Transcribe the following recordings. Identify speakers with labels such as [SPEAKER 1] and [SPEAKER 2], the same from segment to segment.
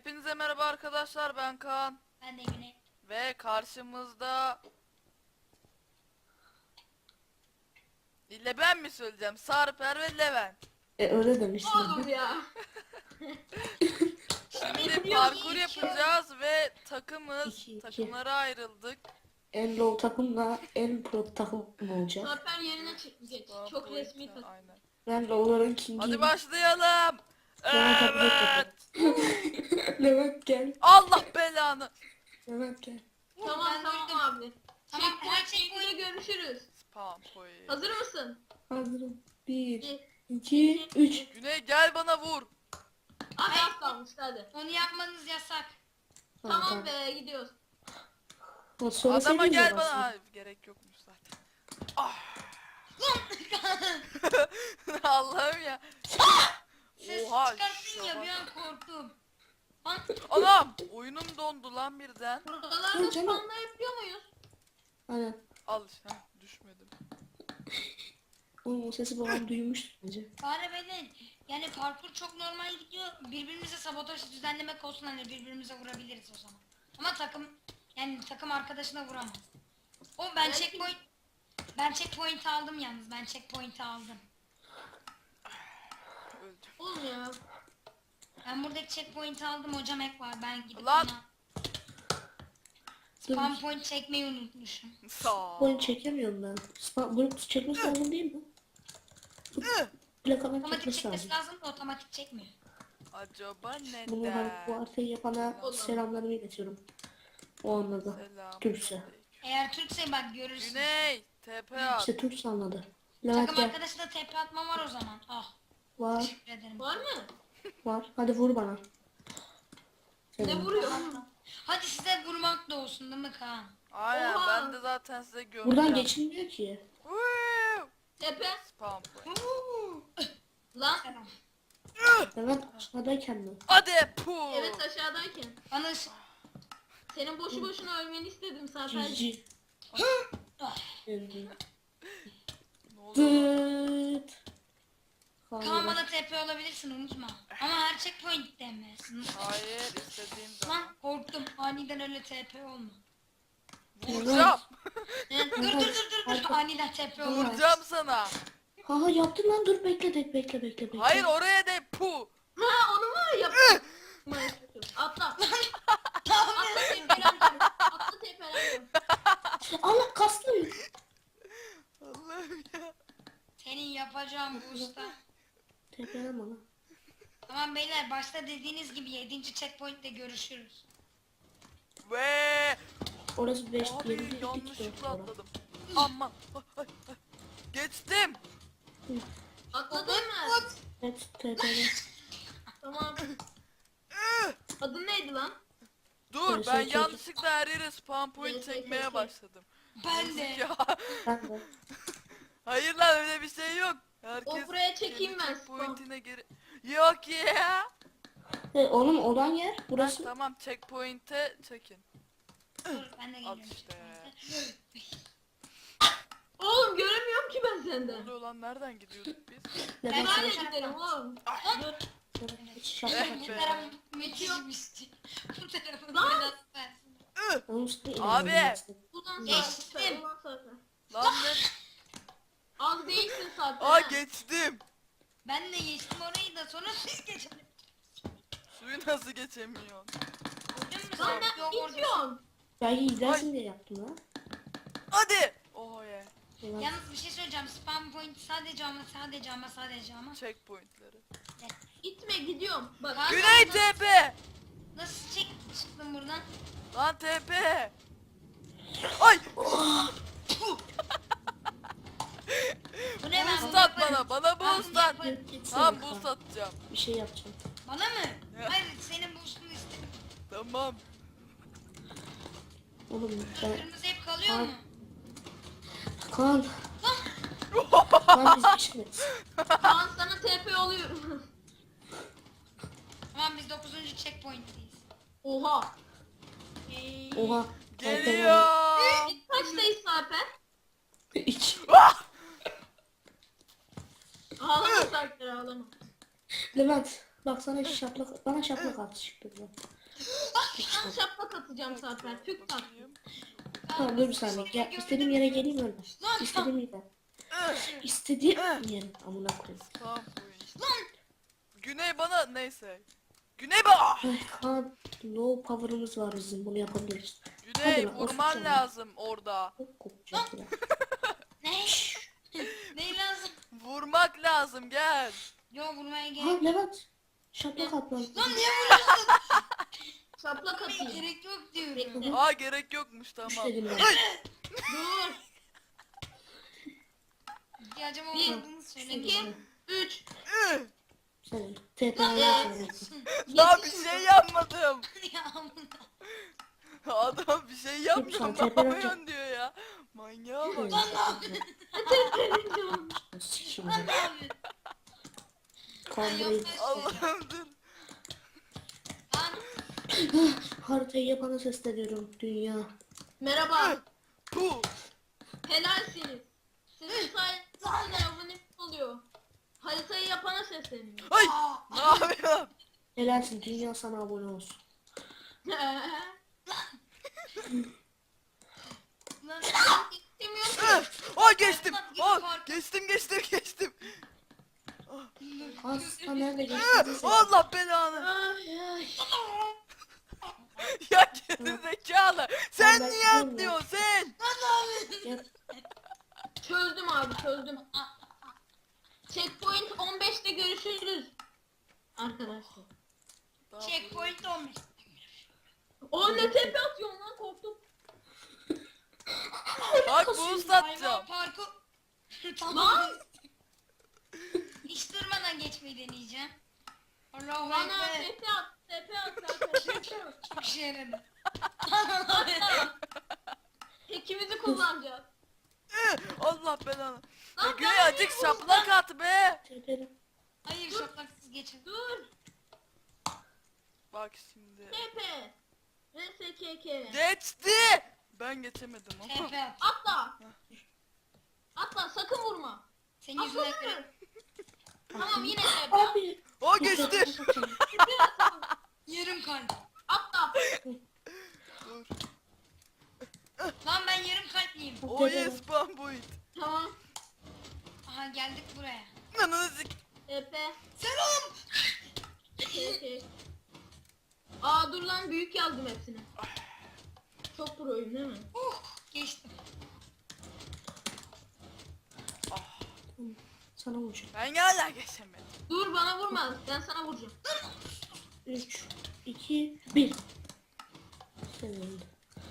[SPEAKER 1] Hepinize merhaba arkadaşlar, ben Kaan
[SPEAKER 2] Ben de Emine.
[SPEAKER 1] ve karşımızda ben mi söyleyeceğim? Sarper ve Levent.
[SPEAKER 3] Öyle demiştim.
[SPEAKER 4] Oğlum ya.
[SPEAKER 1] Şimdi parkur yapacağız ve
[SPEAKER 3] İki.
[SPEAKER 1] takımlara ayrıldık.
[SPEAKER 3] En low takımla en pro takım olacak.
[SPEAKER 4] Sarper yerine geç. Çok resmi takım.
[SPEAKER 1] Aynen.
[SPEAKER 3] Ben low'ların kingiyim.
[SPEAKER 1] Hadi başlayalım.
[SPEAKER 3] Sonra takım
[SPEAKER 1] Evet.
[SPEAKER 3] Levent gel.
[SPEAKER 1] Allah belanı.
[SPEAKER 3] Levent gel.
[SPEAKER 4] Tamam
[SPEAKER 2] Ben
[SPEAKER 4] tamam
[SPEAKER 2] duydum.
[SPEAKER 4] abi.
[SPEAKER 2] Tamam, her
[SPEAKER 4] Checkpoint'te görüşürüz.
[SPEAKER 1] Spam point.
[SPEAKER 4] Hazır mısın?
[SPEAKER 3] Hazırım. 1,
[SPEAKER 4] Bir.
[SPEAKER 3] 2, 3.
[SPEAKER 1] Güney gel bana vur.
[SPEAKER 4] Abi az kalmış hadi.
[SPEAKER 2] Onu yapmanız yasak.
[SPEAKER 4] Tamam be gidiyoruz.
[SPEAKER 1] Adama gel bana. Hayır, gerek yokmuş zaten. Ah. Allah'ım ya.
[SPEAKER 2] Ses
[SPEAKER 1] Oha,
[SPEAKER 2] çıkarttın ya
[SPEAKER 1] şuna
[SPEAKER 2] bir
[SPEAKER 1] bak.
[SPEAKER 2] an korktum. Lan
[SPEAKER 1] Anam oyunum dondu lan birden.
[SPEAKER 4] Buralarda
[SPEAKER 3] Dur canım.
[SPEAKER 4] spawnla yapıyor muyuz?
[SPEAKER 3] Aynen.
[SPEAKER 1] Al işte düşmedim.
[SPEAKER 3] Oğlum o sesi babam duymuştur bence.
[SPEAKER 2] bari beni yani parkur çok normal gidiyor. Birbirimize sabotaj düzenlemek olsun hani birbirimize vurabiliriz o zaman. Ama takım arkadaşına vuramaz.
[SPEAKER 4] Belki-
[SPEAKER 2] Ben checkpoint aldım yalnız. Ben checkpoint aldım.
[SPEAKER 1] Öldüm.
[SPEAKER 4] Oğlum ya.
[SPEAKER 2] Ben buradaki checkpoint aldım. Hocam ek var. Ben gidip
[SPEAKER 1] Lan!
[SPEAKER 2] ona spam point çekmeyi unutmuşum.
[SPEAKER 1] Sağ
[SPEAKER 3] Oyun çekemiyorum ben. Bunu çekmesi lazım değil mi? Plakadan
[SPEAKER 2] Otomatik
[SPEAKER 3] çekmesi
[SPEAKER 2] çekmesi
[SPEAKER 3] lazım.
[SPEAKER 2] lazım da otomatik çekmiyor.
[SPEAKER 1] Acaba
[SPEAKER 3] Bunu bu
[SPEAKER 1] neden?
[SPEAKER 3] haritayı yapana selamlarımı iletiyorum. O anladı.
[SPEAKER 1] Selam.
[SPEAKER 3] Türkçe.
[SPEAKER 2] Eğer Türkse bak görürsün.
[SPEAKER 1] Güney TP at.
[SPEAKER 3] İşte Türkçe anladı. Levent
[SPEAKER 2] Takım
[SPEAKER 3] gel.
[SPEAKER 2] arkadaşına tepe atmam var o zaman. Ah
[SPEAKER 3] Var.
[SPEAKER 2] teşekkür ederim.
[SPEAKER 4] Var mı?
[SPEAKER 3] Var. Hadi vur bana.
[SPEAKER 4] Ne
[SPEAKER 3] Selam.
[SPEAKER 4] vuruyor?
[SPEAKER 2] Hadi size vurmak da olsun değil mi Kaan?
[SPEAKER 1] Aynen
[SPEAKER 4] Oha.
[SPEAKER 1] ben de zaten size göreceğim.
[SPEAKER 3] Buradan geçilmiyor ki.
[SPEAKER 1] Woo!
[SPEAKER 4] Tepe.
[SPEAKER 1] Spam point.
[SPEAKER 4] Lan.
[SPEAKER 2] Selam.
[SPEAKER 3] Levent aşağıdayken mi?
[SPEAKER 1] Hadi pu.
[SPEAKER 4] Evet aşağıdayken.
[SPEAKER 2] Bana
[SPEAKER 4] Senin boşu boşuna ölmeni istedim Sarper.
[SPEAKER 3] Cici.
[SPEAKER 2] Ah,
[SPEAKER 1] Ne oluyor?
[SPEAKER 3] Dıt.
[SPEAKER 2] Kaan bana tepe olabilirsin unutma. Ama her checkpoint'te mi?
[SPEAKER 1] Hayır istediğim zaman.
[SPEAKER 2] Lan korktum. Aniden öyle tepe olma.
[SPEAKER 1] Vuracağım.
[SPEAKER 2] Dur. Aniden tepe olma.
[SPEAKER 1] Vuracağım sana.
[SPEAKER 3] Ha yaptın lan, dur bekle.
[SPEAKER 1] Hayır oraya de pu.
[SPEAKER 4] Ha onu mu yaptın? Atla. Atla tepelendim. Atla tepelendim.
[SPEAKER 3] Allah kaslı.
[SPEAKER 1] Allah'ım ya.
[SPEAKER 2] Senin yapacağım bu usta.
[SPEAKER 3] Tepelen bana.
[SPEAKER 2] Tamam beyler başta dediğiniz gibi 7. checkpoint'te görüşürüz.
[SPEAKER 1] Ve
[SPEAKER 3] Orası 5
[SPEAKER 1] abi
[SPEAKER 3] 7
[SPEAKER 1] yanlışlıkla atladım. Aman. Ay. Geçtim.
[SPEAKER 4] Atladın mı?
[SPEAKER 3] Evet tepelen.
[SPEAKER 4] Tamam. Adın neydi lan?
[SPEAKER 1] Dur
[SPEAKER 3] Evet,
[SPEAKER 1] ben
[SPEAKER 3] çok-
[SPEAKER 1] yanlışlıkla her yere spam point
[SPEAKER 4] Evet,
[SPEAKER 1] çekmeye
[SPEAKER 4] evet.
[SPEAKER 1] başladım.
[SPEAKER 2] Ben de.
[SPEAKER 1] Ya.
[SPEAKER 3] Ben de.
[SPEAKER 1] Hayır lan öyle bir şey yok. Herkes
[SPEAKER 4] O buraya çekeyim
[SPEAKER 1] kendi
[SPEAKER 4] ben
[SPEAKER 1] checkpoint'ine geri. Yok ya.
[SPEAKER 3] Oğlum olan yer
[SPEAKER 1] Ha,
[SPEAKER 3] burası.
[SPEAKER 1] tamam checkpoint'e çekin.
[SPEAKER 2] Dur ben de
[SPEAKER 1] Al
[SPEAKER 2] geliyorum.
[SPEAKER 1] işte.
[SPEAKER 4] Oğlum göremiyorum ki ben
[SPEAKER 1] Ne
[SPEAKER 4] senden.
[SPEAKER 1] oluyor lan nereden gidiyorduk biz?
[SPEAKER 3] Neden
[SPEAKER 4] Ben
[SPEAKER 3] sana
[SPEAKER 4] de giderim oğlum. Dur.
[SPEAKER 3] hiç şaka
[SPEAKER 1] Eh
[SPEAKER 2] Bu
[SPEAKER 1] be.
[SPEAKER 3] yapıyorum.
[SPEAKER 2] taraf müthişmişti. Bu tarafın
[SPEAKER 4] Lan!
[SPEAKER 2] biraz versin.
[SPEAKER 3] Oğlum sana
[SPEAKER 1] Abi.
[SPEAKER 3] inanamazsın.
[SPEAKER 4] Ulan
[SPEAKER 2] Geçtim.
[SPEAKER 4] Sarper. Ulan Sarper.
[SPEAKER 1] Lan ne?
[SPEAKER 4] Az değilsin Sarper.
[SPEAKER 1] Aa
[SPEAKER 4] ha.
[SPEAKER 1] geçtim.
[SPEAKER 2] Ben de geçtim orayı da sonra siz geçin.
[SPEAKER 1] Suyu nasıl geçemiyorsun?
[SPEAKER 2] Gördün mü
[SPEAKER 4] Lan
[SPEAKER 2] sen?
[SPEAKER 4] ne
[SPEAKER 2] Yok orada.
[SPEAKER 4] itiyorsun?
[SPEAKER 3] Belki izlersin diye yaptım lan.
[SPEAKER 1] Hadi. Oh yeah.
[SPEAKER 3] Ulan,
[SPEAKER 2] Yalnız bir şey söyleyeceğim. Spam point sadece ama.
[SPEAKER 1] Checkpoint'leri.
[SPEAKER 4] İtme gidiyorum. Bak.
[SPEAKER 2] Lan-
[SPEAKER 1] Güney TP.
[SPEAKER 2] Nasıl çıktın buradan?
[SPEAKER 1] Lan TP. Ay.
[SPEAKER 2] Bu ne ben?
[SPEAKER 1] Boost at bana. Bana
[SPEAKER 2] Ben
[SPEAKER 1] boost
[SPEAKER 2] bunu
[SPEAKER 1] at.
[SPEAKER 2] yaparım.
[SPEAKER 3] gitsene
[SPEAKER 1] Tamam
[SPEAKER 3] Kaan.
[SPEAKER 1] boost atacağım.
[SPEAKER 3] Bir şey yapacağım.
[SPEAKER 2] Bana mı?
[SPEAKER 1] Ya.
[SPEAKER 2] Hayır senin boostunu istedim.
[SPEAKER 1] Tamam.
[SPEAKER 3] Oğlum ben...
[SPEAKER 2] Kırmızı hep kalıyor
[SPEAKER 3] Kaan.
[SPEAKER 2] mu?
[SPEAKER 3] Kaan. Kaan biz geçmeyiz.
[SPEAKER 4] Kaan sana TP oluyorum.
[SPEAKER 2] Tamam biz 9. checkpoint'teyiz.
[SPEAKER 4] Oha.
[SPEAKER 3] Oha.
[SPEAKER 1] Geliyor.
[SPEAKER 4] Kaçtayız Sarper?
[SPEAKER 3] İç.
[SPEAKER 4] Ağlama Sarper ağlama.
[SPEAKER 3] Levent bak sana şaplak, bana şaplak attı çıktı.
[SPEAKER 4] Ben şaplak atacağım Sarper. Tük tak.
[SPEAKER 1] Bakayım.
[SPEAKER 3] Tamam dur bir saniye. Gel, istediğim yere geleyim öyle.
[SPEAKER 2] Lan
[SPEAKER 3] İstediğim yere. İstediğim yere. Amına koyayım.
[SPEAKER 1] Tamam oyun. Güney bana neyse. Güney bana.
[SPEAKER 3] Ay Kaan. Low power'ımız var bizim. Bunu yapabiliriz.
[SPEAKER 1] Güney
[SPEAKER 3] Hadi lan,
[SPEAKER 1] vurman
[SPEAKER 3] oturacağım.
[SPEAKER 1] lazım orada.
[SPEAKER 3] Çok kopacak ya.
[SPEAKER 2] ne? Ne lazım?
[SPEAKER 1] Vurmak lazım gel.
[SPEAKER 2] Yo vurmaya
[SPEAKER 3] Ha
[SPEAKER 2] gerek.
[SPEAKER 3] Levent. Şaplak atmam.
[SPEAKER 2] Lan niye vuruyorsun?
[SPEAKER 4] Şaplak atayım.
[SPEAKER 2] Gerek yok diyorum.
[SPEAKER 1] Aa gerek yokmuş
[SPEAKER 3] Üç
[SPEAKER 1] tamam.
[SPEAKER 3] dedim ben.
[SPEAKER 4] Dur.
[SPEAKER 2] İhtiyacım
[SPEAKER 4] Bir,
[SPEAKER 2] olmadığını söyledim.
[SPEAKER 4] 2, 3.
[SPEAKER 3] Sen TP'ye söyledim.
[SPEAKER 1] Daha bir şey yapmadım.
[SPEAKER 2] Ya amına.
[SPEAKER 1] Adam bir şey yapmıyor.
[SPEAKER 3] Lütfen,
[SPEAKER 1] Ne
[SPEAKER 3] tepeden
[SPEAKER 1] yapıyorsun diyor ya. Manyağa bak.
[SPEAKER 2] Lan ne yapıyorsun?
[SPEAKER 3] Sikeyim
[SPEAKER 2] Lan
[SPEAKER 3] ya.
[SPEAKER 2] ne yapıyorsun?
[SPEAKER 3] Kaan burayı.
[SPEAKER 1] Allah'ım dur.
[SPEAKER 2] Lan
[SPEAKER 3] Haritayı yapana sesleniyorum. Dünya.
[SPEAKER 4] Merhaba.
[SPEAKER 1] Puh.
[SPEAKER 4] Helalsiniz. Sizin sayenizde abone oluyor. Haritayı yapana sesleniyor.
[SPEAKER 1] Ay ne yapıyorsun?
[SPEAKER 3] Helalsin. Dünya sana abone olsun.
[SPEAKER 2] lan
[SPEAKER 4] İstemiyorum.
[SPEAKER 1] Aa geçtim. Aa geçtim.
[SPEAKER 3] Asla nerede geçtiyse.
[SPEAKER 1] Allah belanı.
[SPEAKER 4] Ay ay.
[SPEAKER 1] Ya gerizekalı. Sen
[SPEAKER 3] Ben
[SPEAKER 1] niye
[SPEAKER 3] gidiyorum
[SPEAKER 1] atlıyorsun sen?
[SPEAKER 3] Gel.
[SPEAKER 4] Çözdüm abi çözdüm. Checkpoint 15'te görüşürüz. Arkadaşlar.
[SPEAKER 2] checkpoint 15.
[SPEAKER 4] O ne tepe atıyorsun lan korktum.
[SPEAKER 1] Bak boost atacağım.
[SPEAKER 2] Hayvan parku.
[SPEAKER 4] Lan.
[SPEAKER 2] Tamam. Hiç durmadan geçmeyi deneyeceğim. Allahu
[SPEAKER 4] Bana
[SPEAKER 2] Ekber.
[SPEAKER 4] tepe at. Tepe at zaten. Tepe at.
[SPEAKER 2] Çok işe yaradı.
[SPEAKER 4] Tekimizi kullanacağız.
[SPEAKER 1] Allah belanı. Ya
[SPEAKER 4] Lan
[SPEAKER 1] Güney
[SPEAKER 4] ben
[SPEAKER 1] acık
[SPEAKER 4] niye
[SPEAKER 1] şaplak at be.
[SPEAKER 3] Tepelim.
[SPEAKER 2] Hayır şaplaksız geçin.
[SPEAKER 4] Dur.
[SPEAKER 1] Bak şimdi.
[SPEAKER 4] Tepe. RSKK.
[SPEAKER 1] Geçti. Ben geçemedim ama.
[SPEAKER 2] TP at.
[SPEAKER 4] Atla. Atla sakın vurma.
[SPEAKER 2] Senin yüzünden
[SPEAKER 4] Atla.
[SPEAKER 2] kırık.
[SPEAKER 4] Tamam yine tepe.
[SPEAKER 3] Abi.
[SPEAKER 1] O geçti.
[SPEAKER 4] Tepe at.
[SPEAKER 2] Yarım kalp.
[SPEAKER 4] Atla.
[SPEAKER 1] Dur.
[SPEAKER 2] Lan ben yarım kalpliyim.
[SPEAKER 1] O yes bambuit.
[SPEAKER 4] Tamam.
[SPEAKER 2] Aha geldik buraya.
[SPEAKER 1] Ananı sik.
[SPEAKER 4] Tepe.
[SPEAKER 2] Selam.
[SPEAKER 4] Tepe. Aa dur lan büyük yazdım hepsini. Çok proyum değil mi?
[SPEAKER 2] Geçtim.
[SPEAKER 3] Sana vuracağım.
[SPEAKER 1] Ben hala geçemedim.
[SPEAKER 4] Dur bana vurma. Ben sana vuracağım.
[SPEAKER 3] 3, 2, 1. Senin.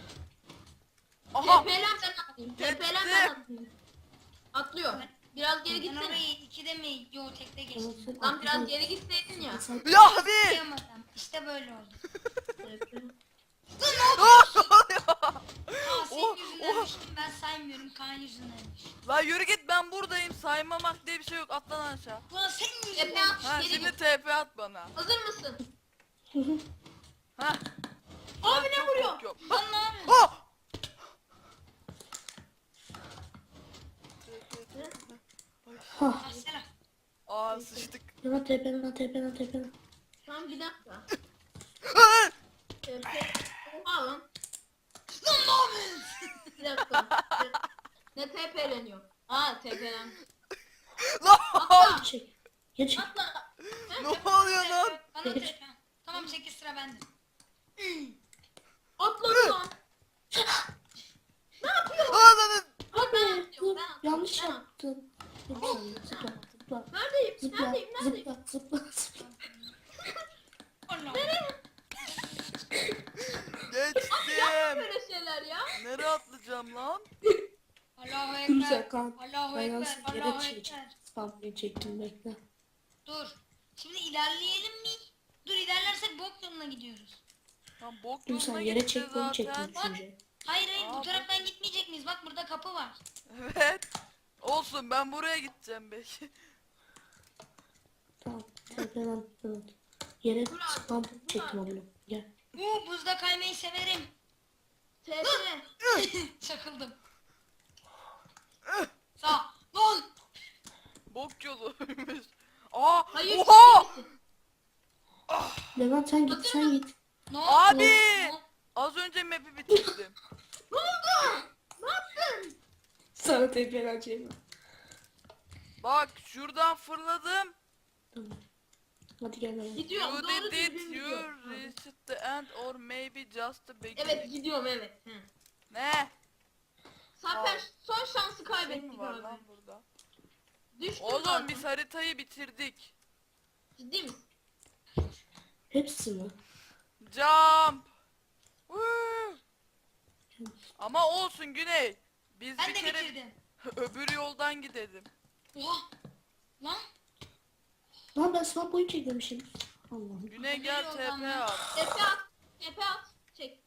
[SPEAKER 1] Aha.
[SPEAKER 4] Tepelen ben atlayayım.
[SPEAKER 1] Geçti.
[SPEAKER 4] Tepelen ben atlayayım. Atlıyor. Biraz geri
[SPEAKER 2] Ben
[SPEAKER 4] gitsene.
[SPEAKER 2] orayı ikide mi? Yo tekte geçtim.
[SPEAKER 4] Lan biraz geri gitseydin ya.
[SPEAKER 1] Ya abi.
[SPEAKER 2] Yapamadım. İşte böyle oldu.
[SPEAKER 4] Tepe.
[SPEAKER 1] Ne oluyor?
[SPEAKER 2] Aa senin
[SPEAKER 1] Oh,
[SPEAKER 2] yüzünden
[SPEAKER 1] oh.
[SPEAKER 2] düştüm. Ben saymıyorum. Kaan yüzünden düştüm.
[SPEAKER 1] La yürü git ben buradayım. Saymamak diye bir şey yok. Atlan aşağı.
[SPEAKER 2] Ulan senin
[SPEAKER 4] Tepe
[SPEAKER 2] yüzünden.
[SPEAKER 4] at.
[SPEAKER 1] Ha
[SPEAKER 4] Geri
[SPEAKER 1] şimdi
[SPEAKER 4] git.
[SPEAKER 1] TP at bana.
[SPEAKER 4] Hazır mısın?
[SPEAKER 1] Ha.
[SPEAKER 4] Abi ne vuruyor?
[SPEAKER 1] Yok.
[SPEAKER 2] Lan ne yapıyorsun?
[SPEAKER 1] Oh!
[SPEAKER 3] Ha.
[SPEAKER 2] Ah selam.
[SPEAKER 1] Aa sıçtık.
[SPEAKER 3] Yana tepene tepene.
[SPEAKER 4] Tamam bir dakika.
[SPEAKER 1] Ah!
[SPEAKER 4] Tepe. Oha lan.
[SPEAKER 2] Lan ne yapıyorsun?
[SPEAKER 4] Bir dakika. Ne tepeleniyor? Aa tepelen.
[SPEAKER 1] Lan!
[SPEAKER 4] Atla.
[SPEAKER 3] Çek. Geç.
[SPEAKER 4] Atla.
[SPEAKER 1] Ne oluyor lan?
[SPEAKER 2] Bana tepe. Tamam 8 sıra bende.
[SPEAKER 4] Atla lan.
[SPEAKER 1] Ananı.
[SPEAKER 4] Aa, ben
[SPEAKER 3] Abi
[SPEAKER 4] atlıyorum.
[SPEAKER 3] dur.
[SPEAKER 4] Ben atlıyorum.
[SPEAKER 3] Yanlış
[SPEAKER 4] Ben
[SPEAKER 3] yaptın. Dur bir saniye. Zıpla. Zıpla.
[SPEAKER 4] Neredeyim?
[SPEAKER 3] Zıpla.
[SPEAKER 4] Neredeyim? Neredeyim?
[SPEAKER 3] Zıpla. Zıpla.
[SPEAKER 2] Allah.
[SPEAKER 1] Geçtim.
[SPEAKER 4] Böyle şeyler ya.
[SPEAKER 1] Nereye atlayacağım lan?
[SPEAKER 2] Allahu
[SPEAKER 3] Dur sen
[SPEAKER 2] Ekber.
[SPEAKER 3] Kaan.
[SPEAKER 2] Allahu
[SPEAKER 3] Ben
[SPEAKER 2] Ekber.
[SPEAKER 3] yalnız yere
[SPEAKER 2] Allahu
[SPEAKER 3] çekeceğim.
[SPEAKER 2] Ekber.
[SPEAKER 3] Spamlayı çektim bekle.
[SPEAKER 2] Dur. Şimdi ilerleyelim mi? Dur ilerlersek bok yoluna gidiyoruz.
[SPEAKER 1] Lan bok
[SPEAKER 3] Dur sen
[SPEAKER 1] yoluna
[SPEAKER 3] yere
[SPEAKER 1] gitti
[SPEAKER 3] çek bunu çektim
[SPEAKER 1] zaten.
[SPEAKER 3] düşünce.
[SPEAKER 2] Hayır hayır bu
[SPEAKER 1] Aa,
[SPEAKER 2] taraftan gitmeyecek miyiz? Bak burada kapı var.
[SPEAKER 1] Evet. Olsun ben buraya gideceğim belki.
[SPEAKER 3] Tamam. Tepeden. Evet. Yere
[SPEAKER 4] Dur abi,
[SPEAKER 3] spam
[SPEAKER 4] dur
[SPEAKER 3] çektim
[SPEAKER 4] abi.
[SPEAKER 3] onu. Gel.
[SPEAKER 2] Buzda kaymayı severim.
[SPEAKER 4] Tepe.
[SPEAKER 2] Çakıldım. Sağ. Lan.
[SPEAKER 1] Bok yoluymuş. Aa!
[SPEAKER 4] Hayır.
[SPEAKER 1] Oha!
[SPEAKER 4] çekilsin.
[SPEAKER 3] Levent sen git
[SPEAKER 4] Hazır
[SPEAKER 3] sen
[SPEAKER 4] mısın?
[SPEAKER 3] git.
[SPEAKER 2] Ne oldu?
[SPEAKER 1] Abi!
[SPEAKER 2] Ne oldu?
[SPEAKER 1] Az önce map'i bitirdim.
[SPEAKER 4] Ne oldu? Ne yaptın?
[SPEAKER 3] Sana TP'leneceğim.
[SPEAKER 1] Bak şuradan fırladım.
[SPEAKER 3] Tamam. Hadi gel lan.
[SPEAKER 4] Gidiyorum.
[SPEAKER 1] You
[SPEAKER 4] Doğru
[SPEAKER 1] did it.
[SPEAKER 4] düzgün
[SPEAKER 1] You
[SPEAKER 4] gidiyorum.
[SPEAKER 1] reached the end or maybe just the beginning.
[SPEAKER 4] Evet gidiyorum evet. Hı.
[SPEAKER 1] Ne?
[SPEAKER 4] Sarper son şansı
[SPEAKER 1] Şey mi
[SPEAKER 4] kaybettik
[SPEAKER 1] var
[SPEAKER 4] abi.
[SPEAKER 1] lan burada?
[SPEAKER 4] Düştüm
[SPEAKER 1] Oğlum
[SPEAKER 4] zaten.
[SPEAKER 1] biz haritayı bitirdik.
[SPEAKER 4] Ciddi misin?
[SPEAKER 3] Hepsi mi?
[SPEAKER 1] Jump. Woo. Ama olsun Güney. Biz
[SPEAKER 2] Ben
[SPEAKER 1] bir
[SPEAKER 2] de
[SPEAKER 1] kere
[SPEAKER 2] bitirdim.
[SPEAKER 1] öbür yoldan gidelim.
[SPEAKER 2] Oha. Lan.
[SPEAKER 3] Lan ben sana boyu çekmemişim. Allah'ım.
[SPEAKER 1] Güney gel
[SPEAKER 2] Öbür
[SPEAKER 1] TP
[SPEAKER 2] yoldan mı?
[SPEAKER 1] at.
[SPEAKER 4] Tepe at. Tepe at. Çek.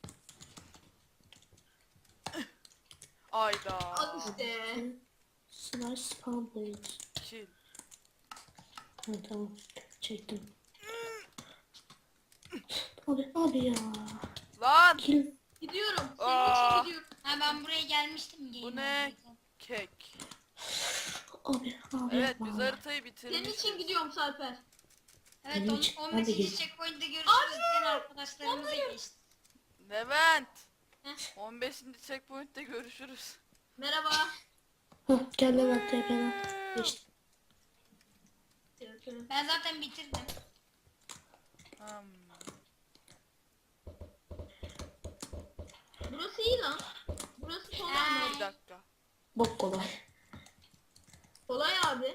[SPEAKER 1] Ayda.
[SPEAKER 4] Al işte.
[SPEAKER 3] Slash spam point.
[SPEAKER 1] Kill.
[SPEAKER 3] Ha tamam. Çektim. Abi ya.
[SPEAKER 1] Lan
[SPEAKER 3] Kill.
[SPEAKER 4] Gidiyorum.
[SPEAKER 1] Aa.
[SPEAKER 4] Senin için gidiyorum.
[SPEAKER 2] Ha ben buraya gelmiştim.
[SPEAKER 1] bu
[SPEAKER 2] Game
[SPEAKER 1] ne?
[SPEAKER 2] Over'da.
[SPEAKER 1] Kek.
[SPEAKER 3] Abi
[SPEAKER 1] Evet
[SPEAKER 3] yapma.
[SPEAKER 1] biz haritayı
[SPEAKER 4] Senin
[SPEAKER 1] bitirmişiz.
[SPEAKER 4] için gidiyorum Sarper.
[SPEAKER 2] Evet
[SPEAKER 3] Benim için- ben de
[SPEAKER 2] 15.
[SPEAKER 3] geleceğim.
[SPEAKER 2] checkpoint'te görüşürüz diyen arkadaşlarımıza geçti.
[SPEAKER 1] Levent.
[SPEAKER 4] Heh.
[SPEAKER 1] 15. checkpoint'te görüşürüz.
[SPEAKER 4] Merhaba.
[SPEAKER 3] Hah gel lan TP'len. Geçtim.
[SPEAKER 2] Ben zaten bitirdim.
[SPEAKER 1] Hmm.
[SPEAKER 4] Burası iyi lan. Burası kolay mı?
[SPEAKER 1] Bir dakika.
[SPEAKER 3] Bok kolay.
[SPEAKER 4] Kolay abi.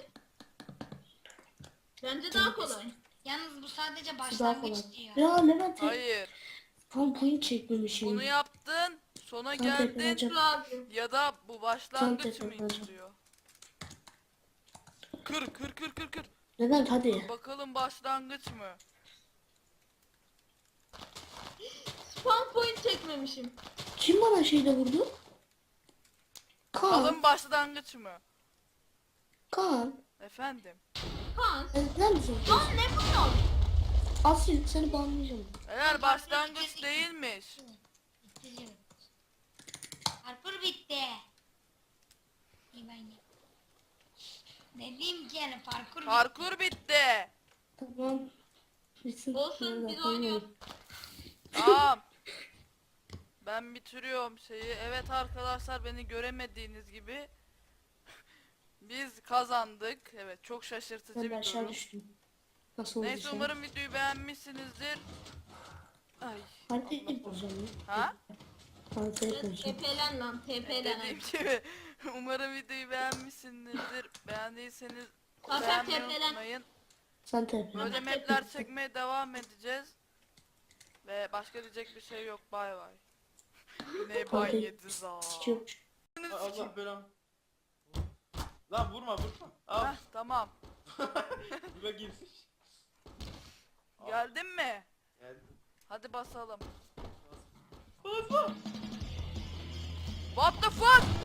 [SPEAKER 4] Bence daha kolay.
[SPEAKER 2] Yalnız bu sadece
[SPEAKER 3] Şu daha
[SPEAKER 2] başlangıç
[SPEAKER 3] kolay.
[SPEAKER 2] diyor.
[SPEAKER 3] Ya Levent
[SPEAKER 1] Hayır.
[SPEAKER 3] spam point çekmemişim.
[SPEAKER 1] Bunu yaptın. Sona
[SPEAKER 3] Ben
[SPEAKER 1] geldin.
[SPEAKER 3] TP'leneceğim.
[SPEAKER 4] Dur abi.
[SPEAKER 1] Ya da bu başlangıç
[SPEAKER 3] Tam
[SPEAKER 1] mı
[SPEAKER 3] tekrar
[SPEAKER 1] istiyor? Kır kır kır kır kır.
[SPEAKER 3] Levent hadi.
[SPEAKER 1] Bakalım başlangıç mı?
[SPEAKER 4] Spawn point çekmemişim.
[SPEAKER 3] Kim bana şeyde vurdu? Kaan.
[SPEAKER 1] Bakalım başlangıç mı?
[SPEAKER 3] Kaan.
[SPEAKER 1] Efendim.
[SPEAKER 4] Hans.
[SPEAKER 3] Neden misin?
[SPEAKER 4] Lan ne bu?
[SPEAKER 3] Asil seni banlayacağım.
[SPEAKER 1] Eğer başlangıç değilmiş.
[SPEAKER 2] Bitiriyorum. Parkur bitti. İyi ben gel. Ne diyeyim ki yani parkur bitti.
[SPEAKER 1] Parkur bitti.
[SPEAKER 3] Tamam. Bitsin.
[SPEAKER 4] Olsun
[SPEAKER 3] Nerede?
[SPEAKER 4] biz oynuyoruz.
[SPEAKER 1] Tamam. Ben bitiriyorum şeyi. Evet arkadaşlar beni göremediğiniz gibi biz kazandık. Evet çok şaşırtıcı
[SPEAKER 3] Ben de
[SPEAKER 1] bir
[SPEAKER 3] aşağı
[SPEAKER 1] durum.
[SPEAKER 3] düştüm. Nasıl oldu
[SPEAKER 1] Neyse
[SPEAKER 3] şey?
[SPEAKER 1] umarım videoyu beğenmişsinizdir. Ay.
[SPEAKER 3] Haritayı bozacağım.
[SPEAKER 1] Ha?
[SPEAKER 3] Haritayı bozacağım.
[SPEAKER 4] TP'len lan TP'len.
[SPEAKER 1] Dediğim gibi umarım videoyu beğenmişsinizdir. Beğendiyseniz
[SPEAKER 4] Zaten
[SPEAKER 1] beğenmeyi
[SPEAKER 4] tepelen.
[SPEAKER 1] unutmayın.
[SPEAKER 3] Sen TP.
[SPEAKER 1] Böyle mapler çekmeye devam edeceğiz. Ve başka diyecek bir şey yok. Bay bay. Ne bay
[SPEAKER 3] Haritayı
[SPEAKER 1] yedi za.
[SPEAKER 3] sikiyormuş.
[SPEAKER 5] Allah belam. Lan vurma vurma. Al.
[SPEAKER 1] Heh, tamam.
[SPEAKER 5] Bura girsin.
[SPEAKER 1] Geldin mi?
[SPEAKER 5] Geldi.
[SPEAKER 1] Hadi basalım.
[SPEAKER 5] Basma.
[SPEAKER 1] What the fuck?